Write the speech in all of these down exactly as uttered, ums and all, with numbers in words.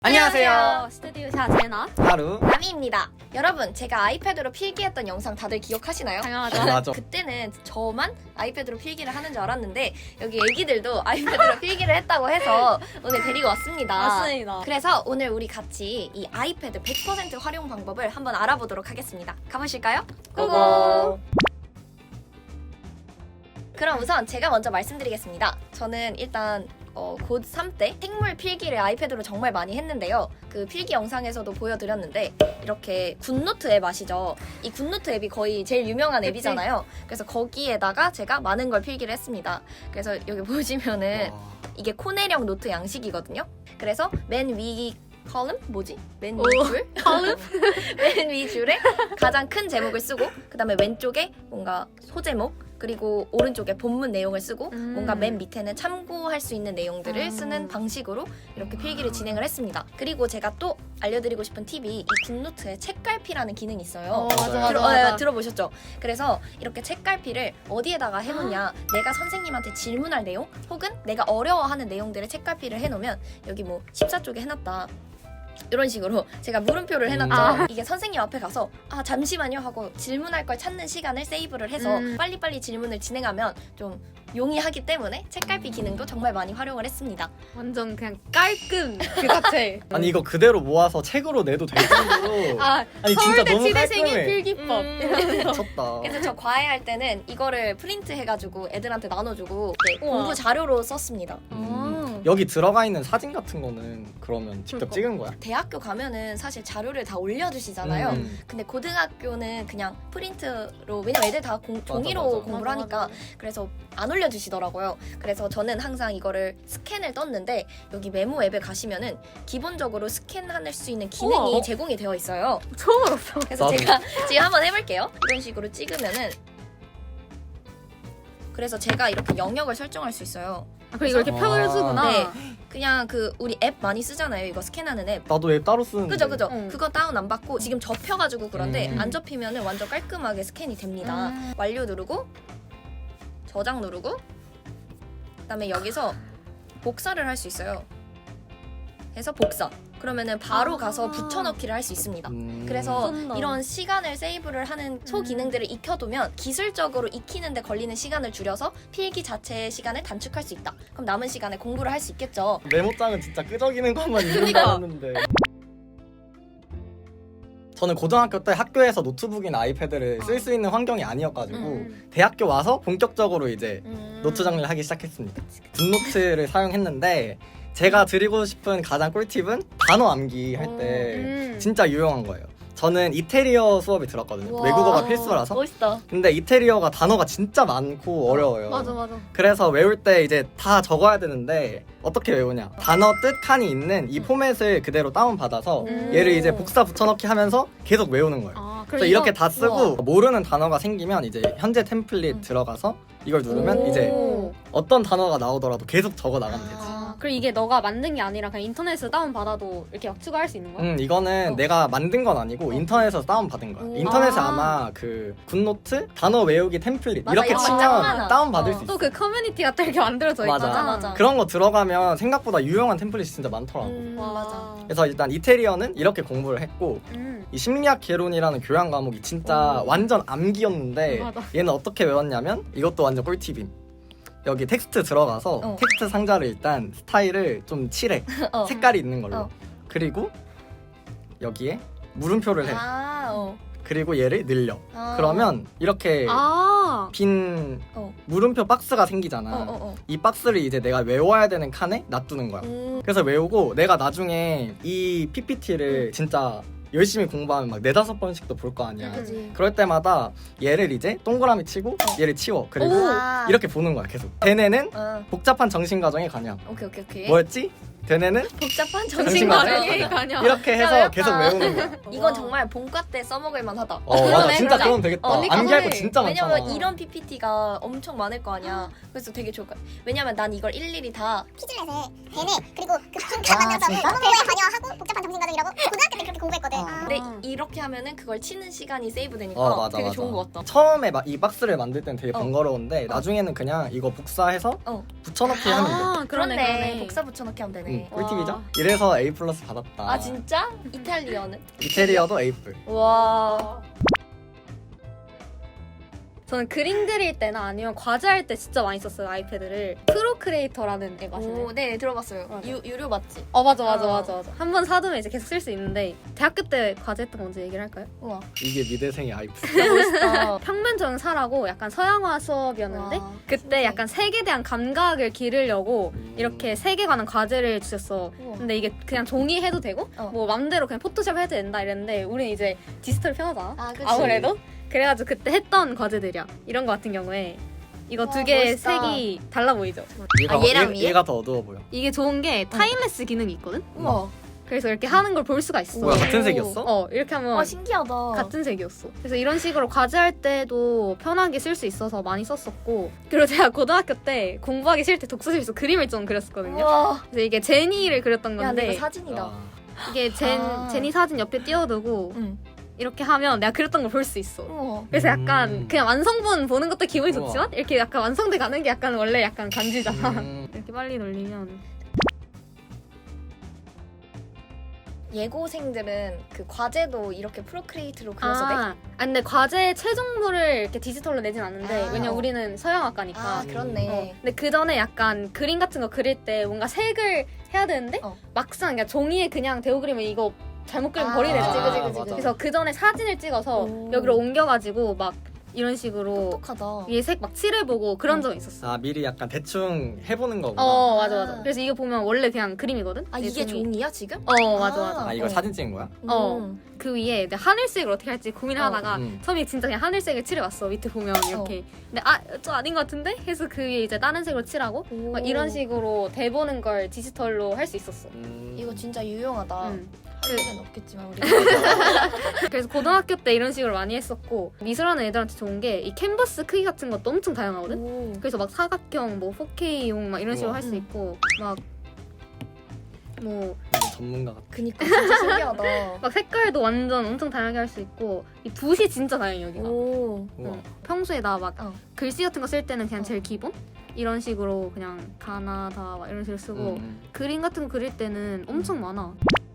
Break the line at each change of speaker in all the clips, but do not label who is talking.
안녕하세요.
스튜디오샤 제나
하루.
나미입니다. 여러분, 제가 아이패드로 필기했던 영상 다들 기억하시나요?
당연하죠.
맞아.
그때는 저만 아이패드로 필기를 하는 줄 알았는데 여기 애기들도 아이패드로 필기를 했다고 해서 오늘 데리고 왔습니다.
맞습니다.
그래서 오늘 우리 같이 이 아이패드 백 퍼센트 활용 방법을 한번 알아보도록 하겠습니다. 가보실까요? 고고! 그럼 우선 제가 먼저 말씀드리겠습니다. 저는 일단 어, 고삼 때 생물 필기를 아이패드로 정말 많이 했는데요. 그 필기 영상에서도 보여드렸는데 이렇게 굿노트 앱 아시죠? 이 굿노트 앱이 거의 제일 유명한 앱이잖아요. 그래서 거기에다가 제가 많은 걸 필기를 했습니다. 그래서 여기 보시면은 이게 코네령 노트 양식이거든요. 그래서 맨 위 컬럼? 뭐지? 맨 위 줄? 컬럼? 맨 위 줄에 가장 큰 제목을 쓰고 그 다음에 왼쪽에 뭔가 소제목 그리고 오른쪽에 본문 내용을 쓰고
음.
뭔가 맨 밑에는 참고할 수 있는 내용들을
음.
쓰는 방식으로 이렇게 필기를 진행을 했습니다. 그리고 제가 또 알려드리고 싶은 팁이 이 굿노트에 책갈피라는 기능이 있어요.
어, 맞아, 맞아,
들어,
맞아.
어, 들어보셨죠? 그래서 이렇게 책갈피를 어디에다가 해놓냐 내가 선생님한테 질문할 내용 혹은 내가 어려워하는 내용들을 책갈피를 해놓으면 여기 뭐 십사 쪽에 해놨다 이런 식으로 제가 물음표를 해놨죠.
아.
이게 선생님 앞에 가서 아 잠시만요 하고 질문할 걸 찾는 시간을 세이브를 해서
음.
빨리빨리 질문을 진행하면 좀 용이하기 때문에 책갈피 기능도 정말 많이 활용을 했습니다.
완전 그냥 깔끔 그 자체.
아니 이거 그대로 모아서 책으로 내도 될 정도로.
아,
아니 진짜
서울대
너무
치대생의
깔끔해.
필기법.
음.
미쳤다.
그래서 저 과외할 때는 이거를 프린트 해가지고 애들한테 나눠주고 네,
우와.
공부 자료로 썼습니다.
음. 여기 들어가 있는 사진 같은 거는 그러면 직접
그러니까.
찍은 거야?
대학교 가면은 사실 자료를 다 올려주시잖아요.
음.
근데 고등학교는 그냥 프린트로 왜냐면 애들 다 공,
맞아,
종이로
맞아.
공부를
맞아,
하니까
맞아.
그래서 안 올려주시더라고요. 그래서 저는 항상 이거를 스캔을 떴는데 여기 메모 앱에 가시면은 기본적으로 스캔할 수 있는 기능이
우와.
제공이 되어 있어요.
처음 알았어.
그래서
나도.
제가 지금 한번 해볼게요. 이런 식으로 찍으면은 그래서 제가 이렇게 영역을 설정할 수 있어요.
아, 그리고 이렇게
아.
편을 주구나.
네. 그냥 그 우리 앱 많이 쓰잖아요. 이거 스캔하는 앱.
나도 앱 따로 쓰는데.
그죠 그죠.
응.
그거 다운 안 받고 지금 접혀가지고 그런데
음.
안 접히면은 완전 깔끔하게 스캔이 됩니다.
음.
완료 누르고 저장 누르고 그다음에 여기서 복사를 할 수 있어요. 해서 복사. 그러면은 바로
아.
가서 붙여넣기를 할 수 있습니다.
음.
그래서
좋다.
이런 시간을 세이브를 하는 소기능들을 익혀두면 기술적으로 익히는데 걸리는 시간을 줄여서 필기 자체의 시간을 단축할 수 있다. 그럼 남은 시간에 공부를 할 수 있겠죠.
메모장은 진짜 끄적이는 것만 있는 줄
그러니까.
알았는데. 저는 고등학교 때 학교에서 노트북이나 아이패드를 쓸 수 있는 환경이 아니어가지고
음.
대학교 와서 본격적으로 이제
음.
노트 정리를 하기 시작했습니다. 굿노트를 사용했는데 제가 드리고 싶은 가장 꿀팁은 단어 암기 할 때
음.
진짜 유용한 거예요. 저는 이태리어 수업이 들었거든요.
우와.
외국어가 필수라서.
멋있다.
근데 이태리어가 단어가 진짜 많고 어려워요.
맞아 맞아.
그래서 외울 때 이제 다 적어야 되는데 어떻게 외우냐? 단어 뜻 칸이 있는 이 포맷을 그대로 다운받아서
음.
얘를 이제 복사 붙여넣기 하면서 계속 외우는 거예요.
아,
그래서
이거-
이렇게 다 쓰고
우와.
모르는 단어가 생기면 이제 현재 템플릿
음.
들어가서 이걸 누르면
오.
이제 어떤 단어가 나오더라도 계속 적어 나가면 되지.
아, 그리고 이게 너가 만든 게 아니라 그냥 인터넷에서 다운 받아도 이렇게 막 추가할 수 있는 거야?
음 이거는
어.
내가 만든 건 아니고
어.
인터넷에서 다운 받은 거야.
오.
인터넷에
아.
아마 그 굿노트 단어 외우기 템플릿
맞아,
이렇게
이런 거 짱
치면
많아.
다운 받을
어.
수 있어.
또 그 커뮤니티가 또 이렇게 만들어져
맞아.
있잖아.
맞아.
그런 거 들어가면 생각보다 유용한 템플릿이 진짜 많더라고.
음,
와.
맞아.
그래서 일단 이태리어는 이렇게 공부를 했고
음.
이 심리학 개론이라는 교양 과목이 진짜
오.
완전 암기였는데
맞아.
얘는 어떻게 외웠냐면 이것도 완전 꿀팁임. 여기 텍스트 들어가서
어.
텍스트 상자를 일단 스타일을 좀 칠해.
어.
색깔이 있는 걸로.
어.
그리고 여기에 물음표를 해.
아, 어.
그리고 얘를 늘려.
아.
그러면 이렇게
아.
빈
어.
물음표 박스가 생기잖아.
어, 어, 어.
이 박스를 이제 내가 외워야 되는 칸에 놔두는 거야.
음.
그래서 외우고 내가 나중에 이 피피티를 진짜 열심히 공부하면 막 네다섯 번씩도 볼 거 아니야.
그지.
그럴 때마다 얘를 이제 동그라미 치고 얘를 치워. 그리고
아.
이렇게 보는 거야 계속. 대뇌는
어.
복잡한 정신과정에 관여.
오케이, 오케이, 오케이.
뭐였지? 대뇌는
복잡한
정신과정에
정신과정.
관여.
관여.
이렇게 해서
어렵다.
계속 외우는 거야.
이건 정말 본과 때 써먹을 만하다.
어 맞아
그러네,
진짜
맞아.
그러면 되겠다.
어,
언니가
암기할 거
해.
진짜 많잖아.
왜냐면 이런 피피티가 엄청 많을 거 아니야. 그래서 되게 좋을 것 같아. 왜냐면 난 이걸 일일이 다
퀴즈넷에 대뇌 그리고 그 중간 만나서 공부에 관여하고 복잡한 정신과정이라고 고등학교 때 그렇게 공부했거든.
어.
근데
아.
이렇게 하면은 그걸 치는 시간이 세이브 되니까
어, 맞아,
되게
맞아.
좋은 것 같다.
처음에 막 이 박스를 만들 때는 되게
어.
번거로운데 나중에는 그냥 이거 복사해서
어.
붙여넣기 하면 돼.
아, 그러네, 그러네.
복사 붙여넣기 하면 되네.
응, 꿀팁이죠?
와.
이래서 A 플러스 받았다.
아 진짜? 이탈리아는?
이태리어도 A 플.
와.
저는 그림 그릴 때나 아니면 과제할 때 진짜 많이 썼어요 아이패드를. 프로크리에이터라는 앱 아시나요?
오, 네 들어봤어요.
맞아.
유, 유료 맞지?
어 맞아 맞아
어.
맞아 맞아. 한 번 사두면 이제 계속 쓸 수 있는데 대학교 때 과제했던 거 먼저 얘기를 할까요?
우와.
이게 미대생의 아이플.
진짜 멋있다.
평면 정사라고 약간 서양화 수업이었는데
와,
그때
신기해.
약간 색에 대한 감각을 기르려고 이렇게 색에 관한 과제를 주셨어.
우와.
근데 이게 그냥 종이 해도 되고
어.
뭐 맘대로 그냥 포토샵 해도 된다 이랬는데 우리는 이제 디지털 편하잖아.
아, 그치.
아무래도 그래가지고 그때 했던 과제들이야. 이런 거 같은 경우에 이거
와,
두 개의
멋있다.
색이 달라 보이죠?
얘가,
아, 얘랑
얘,
위에?
얘가 더 어두워 보여.
이게 좋은 게 타임레스 기능이 있거든?
우와.
그래서 이렇게 하는 걸 볼 수가 있어.
뭐야, 같은
오.
색이었어?
어 이렇게 하면
와 신기하다.
같은 색이었어. 그래서 이런 식으로 과제할 때도 편하게 쓸 수 있어서 많이 썼었고, 그리고 제가 고등학교 때 공부하기 싫을 때 독서실에서 그림을 좀 그렸었거든요.
우와.
그래서 이게 제니를 그렸던
야, 근데
건데
이거 사진이다.
아,
이게 젠,
아.
제니 사진 옆에 띄워두고
응.
이렇게 하면 내가 그렸던 걸 볼 수 있어.
우와.
그래서 약간
음.
그냥 완성본 보는 것도 기분이
우와.
좋지만 이렇게 약간 완성돼 가는 게 약간 원래 약간 간지잖아.
음.
이렇게 빨리 돌리면
예고생들은 그 과제도 이렇게 프로크리에이트로 그려서 돼?
아, 아 근데 과제 최종물을 이렇게 디지털로 내진 않는데
아.
왜냐 우리는 서양학과니까.
아 그렇네.
어, 근데 그 전에 약간 그림 같은 거 그릴 때 뭔가 색을 해야 되는데
어.
막상 그냥 종이에 그냥 대우 그리면 이거 잘못 그리면
아,
버리네.
그치,
그치,
그치,
맞아.
그치.
그래서 그 전에 사진을 찍어서
오.
여기로 옮겨가지고 막 이런 식으로
똑똑하다.
위에 색 막 칠해보고 그런
어.
적이 있었어.
아 미리 약간 대충 해보는 거구나.
어 맞아 맞아.
아.
그래서 이거 보면 원래 그냥 그림이거든.
아
이
이게
종이.
종이야 지금?
어 맞아
아.
맞아.
아 이거
어.
사진 찍은 거야?
어.
음.
그 위에 내가 하늘색을 어떻게 할지 고민을
어.
하다가
음.
처음에 진짜 그냥 하늘색을 칠해봤어. 밑에 보면 이렇게. 근데 아 저 아닌 것 같은데? 해서 그 위에 이제 다른 색으로 칠하고
오.
막 이런 식으로 대보는 걸 디지털로 할 수 있었어.
음.
이거 진짜 유용하다.
음.
할 일은 없겠지만 우리.
그래서 고등학교 때 이런 식으로 많이 했었고 미술하는 애들한테 좋은 게 이 캔버스 크기 같은 것도 엄청 다양하거든.
오.
그래서 막 사각형, 뭐 포케이용 막 이런 식으로
우와.
할 수
음.
있고 막 뭐 막
완전 전문가 같아.
그니까 진짜 신기하다.
색깔도 완전 엄청 다양하게 할 수 있고 이 붓이 진짜 다양해 여기가.
오.
우와.
응. 평소에 나 막
어.
글씨 같은 거 쓸 때는 그냥
어.
제일 기본 이런 식으로 그냥 가나다 막 이런 식으로 쓰고
음.
그림 같은 거 그릴 때는 엄청 많아.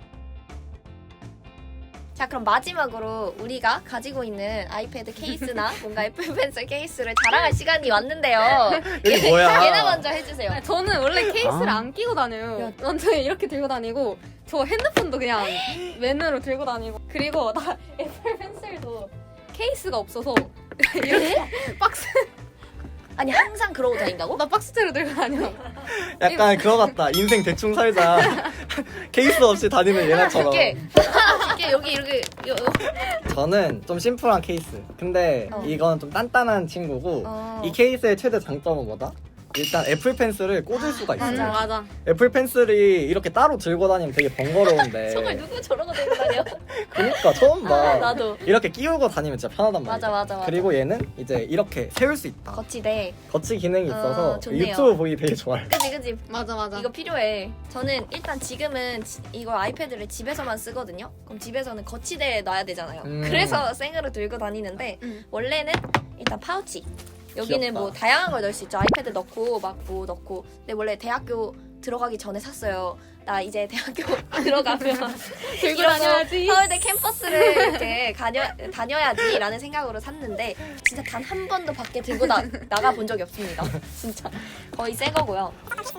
자 그럼 마지막으로 우리가 가지고 있는 아이패드 케이스나 뭔가 애플 펜슬 케이스를 자랑할 시간이 왔는데요.
이게 뭐야?
얘나 먼저 해주세요.
아니, 저는 원래 케이스를
아.
안 끼고 다녀요.
야.
완전 이렇게 들고 다니고 저 핸드폰도 그냥 맨으로 들고 다니고 그리고 나 애플 펜슬도 케이스가 없어서 이렇게 박스
아니 항상 그러고 다닌다고?
나 박스째로 들고 다녀.
약간 그거 같다. 인생 대충 살자. 케이스 없이 다니는 얘네처럼.
이게 이게 여기 이렇게 요, 요.
저는 좀 심플한 케이스. 근데
어.
이건 좀 단단한 친구고
어.
이 케이스의 최대 장점은 뭐다? 일단 애플 펜슬을 꽂을 수가 있어요.
맞아 맞아.
애플 펜슬이 이렇게 따로 들고 다니면 되게 번거로운데.
정말 누구 저러고 들고 다녀?
그러니까 처음 봐.
아, 나도.
이렇게 끼우고 다니면 진짜 편하단 말이야.
맞아, 맞아, 맞아.
그리고 얘는 이제 이렇게 세울 수 있다.
거치대.
거치 기능이 있어서
어, 좋네요.
유튜브 보기 되게 좋아요.
그지 그지.
맞아 맞아.
이거 필요해. 저는 일단 지금은 지- 이걸 아이패드를 집에서만 쓰거든요. 그럼 집에서는 거치대에 놔야 되잖아요.
음.
그래서 생으로 들고 다니는데
음.
원래는 일단 파우치. 여기는
귀엽다.
뭐 다양한 걸 넣을 수 있죠. 아이패드 넣고 막 뭐 넣고. 근데 원래 대학교 들어가기 전에 샀어요. 나 이제 대학교 들어가면
들고
이런 거
다녀야지.
서울대 캠퍼스를 이렇게 다녀, 다녀야지라는 생각으로 샀는데 진짜 단 한 번도 밖에 들고 나, 나가 본 적이 없습니다. 진짜 거의 새 거고요.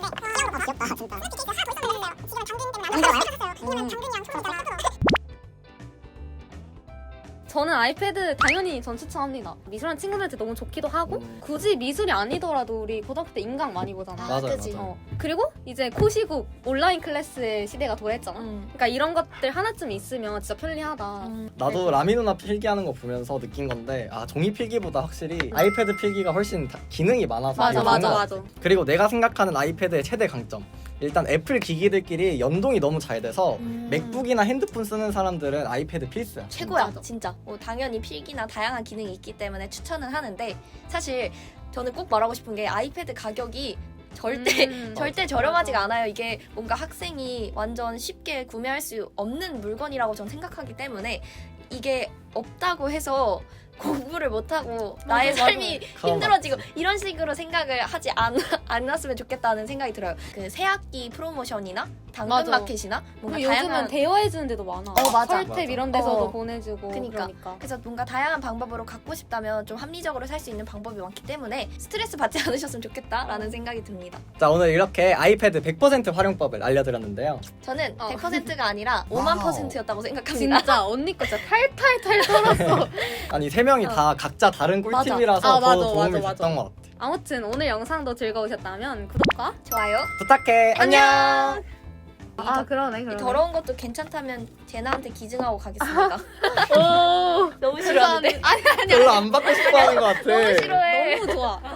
저는 아이패드 당연히 전 추천합니다. 미술하는 친구들한테 너무 좋기도 하고
음.
굳이 미술이 아니더라도 우리 고등학교 때 인강 많이 보잖아.
아,
맞아요,
그치.
맞아요.
어. 그리고 이제 코시국 온라인 클래스의 시대가 도래했잖아.
음.
그러니까 이런 것들 하나쯤 있으면 진짜 편리하다.
음.
나도 라미 누나 필기하는 거 보면서 느낀 건데 아 종이 필기보다 확실히 아이패드 필기가 훨씬 다- 기능이 많아서
맞아
되게
맞아
좋은 것
맞아.
같아. 그리고 내가 생각하는 아이패드의 최대 강점 일단 애플 기기들끼리 연동이 너무 잘 돼서
음.
맥북이나 핸드폰 쓰는 사람들은 아이패드 필수야.
최고야
맞아.
진짜. 뭐 당연히 필기나 다양한 기능이 있기 때문에 추천은 하는데 사실 저는 꼭 말하고 싶은 게 아이패드 가격이 절대
음,
절대
맞아,
저렴하지가
맞아.
않아요. 이게 뭔가 학생이 완전 쉽게 구매할 수 없는 물건이라고 저는 생각하기 때문에 이게 없다고 해서 공부를 못하고 나의
맞아,
삶이
그건
힘들어지고 이런 식으로 생각을 하지 않, 않았으면 좋겠다는 생각이 들어요. 그 새학기 프로모션이나
맞아.
당근마켓이나 뭔가
그리고 요즘은
다양한
대여해주는 데도 많아.
어, 맞아.
설탭
맞아.
이런 데서도
어.
보내주고.
그니까.
그러니까.
그래서 뭔가 다양한 방법으로 갖고 싶다면 좀 합리적으로 살 수 있는 방법이 많기 때문에 스트레스 받지 않으셨으면 좋겠다라는 생각이 듭니다.
자, 오늘 이렇게 아이패드 백 퍼센트 활용법을 알려드렸는데요.
저는
어.
백 퍼센트가 아니라 오만
와우.
퍼센트였다고 생각합니다.
진짜 언니 거 진짜 탈탈탈 털었어.
아니 세 명이
어.
다 각자 다른
맞아.
꿀팁이라서
아,
더
맞아,
도움이
맞아, 맞아.
됐던 것 같아.
아무튼 오늘 영상도 즐거우셨다면 구독과
좋아요.
부탁해. 안녕.
아 그러네
이
그러네.
더러운 것도 괜찮다면 제나한테 기증하고 가겠습니다.
오
너무 싫어하는데.
아니 아니
별로 안 받고 싶어 하는 것 같아.
너무 싫어해.
너무 좋아.